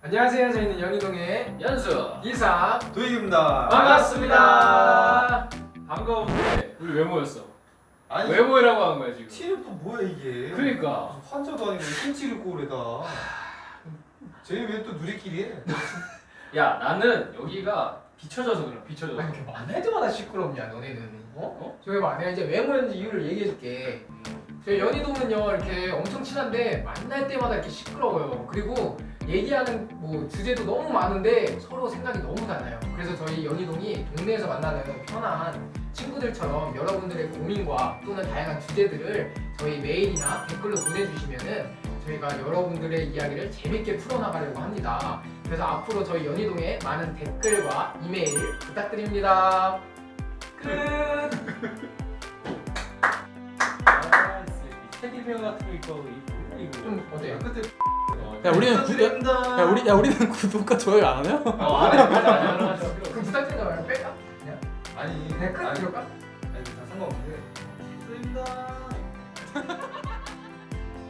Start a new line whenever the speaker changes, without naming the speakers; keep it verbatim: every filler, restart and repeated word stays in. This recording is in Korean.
안녕하세요. 저희는 연희동의
연수
이사
도익입니다.
반갑습니다.
반가운데 우리 왜 모였어?
아니
왜 모이라고 한 거야 지금?
티는 또 뭐야 이게?
그러니까
환자도 아니고 김치를 꼬래다. 쟤 왜 또 누리끼리 해?
야 나는 여기가 비춰져서 그래 비춰져서.
아니 이렇게 만날 때마다 시끄럽냐 너네는? 어? 어? 저희 봐 내가 이제 왜 모였는지 이유를 얘기해줄게. 저희 연희동은요 이렇게 엄청 친한데 만날 때마다 이렇게 시끄러워요. 그리고 얘기하는 뭐 주제도 너무 많은데 서로 생각이 너무 달라요. 그래서 저희 연희동이 동네에서 만나는 편한 친구들처럼 여러분들의 고민과 또는 다양한 주제들을 저희 메일이나 댓글로 보내주시면은 저희가 여러분들의 이야기를 재밌게 풀어나가려고 합니다. 그래서 앞으로 저희 연희동에 많은 댓글과 이메일 부탁드립니다. 끝!
아, 테디베어 같은 거 있고 이거
좀 어때요?
끝에
야 우리는 구, 야, 야 우리 야 우리는 구독과 좋아요 안 하냐?
어, 안 해, 안 해, 안 해, 안 해.
그럼 부탁드린 거 말고 뺄까? 그냥?
아니
그냥 끝?
아니,
이럴까?
아니 다 상관없는데. 끝입니다.